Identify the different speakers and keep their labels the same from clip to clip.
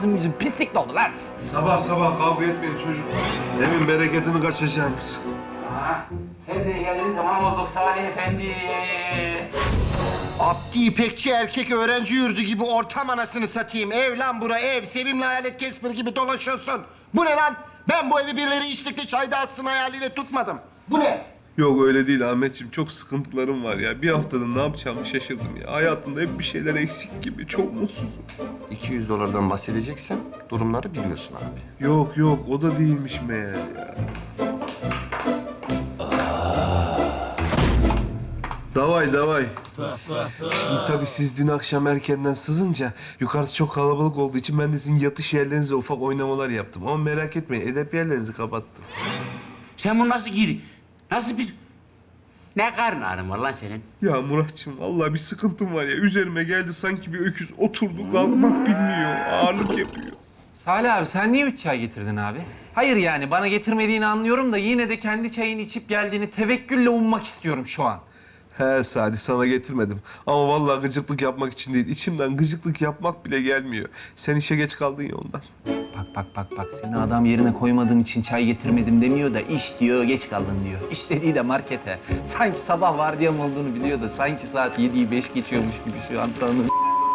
Speaker 1: yüzün pislik oldu lan.
Speaker 2: Sabah sabah kavga etmeyin çocuk. Evin bereketini kaçacaksınız.
Speaker 3: Sen de geldin tamam olduk Salih Efendi.
Speaker 4: Abdi İpekçi erkek öğrenci yurdu gibi ortam anasını satayım. Ev lan bura ev. Sevimli hayalet Casper gibi dolaşıyorsun. Bu ne lan? Ben bu evi birileri içlikte çay dağıtsın hayaliyle tutmadım. Bu ne?
Speaker 2: Yok öyle değil Ahmetciğim. Çok sıkıntılarım var ya. Bir haftada ne yapacağımı şaşırdım ya. Hayatımda hep bir şeyler eksik gibi. Çok mutsuzum.
Speaker 4: 200 dolardan bahsedeceksen durumları biliyorsun abi.
Speaker 2: Yok yok o da değilmiş meğer ya. Davay davay. Şimdi tabii siz dün akşam erkenden sızınca yukarısı çok kalabalık olduğu için ben de sizin yatış yerlerinize ufak oynamalar yaptım. Ama merak etmeyin edep yerlerinizi kapattım.
Speaker 3: Sen bunu nasıl giydin? Nasıl biz... Ne karın ağrın var lan senin?
Speaker 2: Ya Muratçım vallahi bir sıkıntım var ya. Üzerime geldi sanki bir öküz oturdu kalkmak bilmiyor. Ağırlık yapıyor.
Speaker 1: Salih abi sen niye 3 çay getirdin abi? Hayır yani bana getirmediğini anlıyorum da yine de kendi çayını içip geldiğini tevekkülle ummak istiyorum şu an.
Speaker 2: He Sadi sana getirmedim. Ama vallahi gıcıklık yapmak için değil. İçimden gıcıklık yapmak bile gelmiyor. Sen işe geç kaldın ya ondan.
Speaker 1: Bak seni adam yerine koymadığım için çay getirmedim demiyor da iş diyor geç kaldın diyor. İş dediği de markete. Sanki sabah vardiyam olduğunu biliyor da sanki saat 7'yi 5 geçiyormuş gibi şu an tanıdım.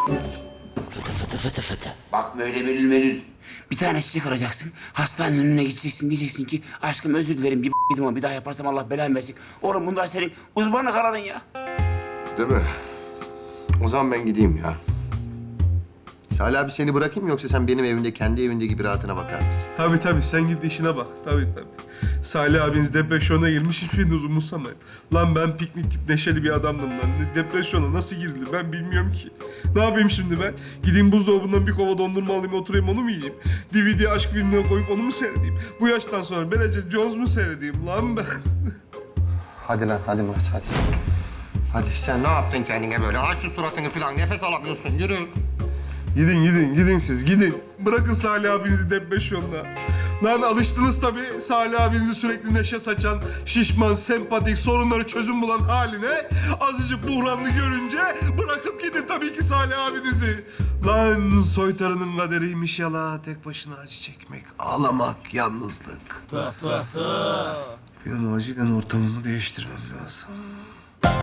Speaker 3: Fıtı. Bak böyle belül. Bir tane çiçek alacaksın. Hastanenin önüne gideceksin. Diyeceksin ki aşkım özür dilerim bir yedim ama bir daha yaparsam Allah belanı versin. Oğlum bunlar senin uzmanlık alanın ya.
Speaker 4: Değil mi? O zaman ben gideyim ya. Salih abi seni bırakayım mı yoksa sen benim evimde kendi evinde gibi rahatına bakar mısın?
Speaker 2: Tabii sen git işine bak. Tabii. Salih abiniz depresyona girmiş hiçbiriniz umursamayın. Lan ben piknik tip neşeli bir adamdım lan. Depresyona nasıl girilir ben bilmiyorum ki. Ne yapayım şimdi ben? Gideyim buzdolabından bir kova dondurma alayım oturayım onu mu yiyeyim? DVD aşk filmine koyup onu mu seyredeyim? Bu yaştan sonra Bridget Jones mu seyredeyim lan ben?
Speaker 4: Hadi lan hadi Murat hadi. Hadi sen ne yaptın kendine böyle? Aç şu suratını falan nefes alamıyorsun yürü.
Speaker 2: Gidin siz gidin. Bırakın Salih abinizi depresyonda. Lan alıştınız tabii Salih abinizi sürekli neşe saçan, şişman, sempatik, sorunları çözüm bulan haline. Azıcık buhranlı görünce bırakıp gidin tabii ki Salih abinizi. Lan soytarının kaderiymiş yala, tek başına acı çekmek, ağlamak, yalnızlık. Benim acilen ortamımı değiştirmem lazım.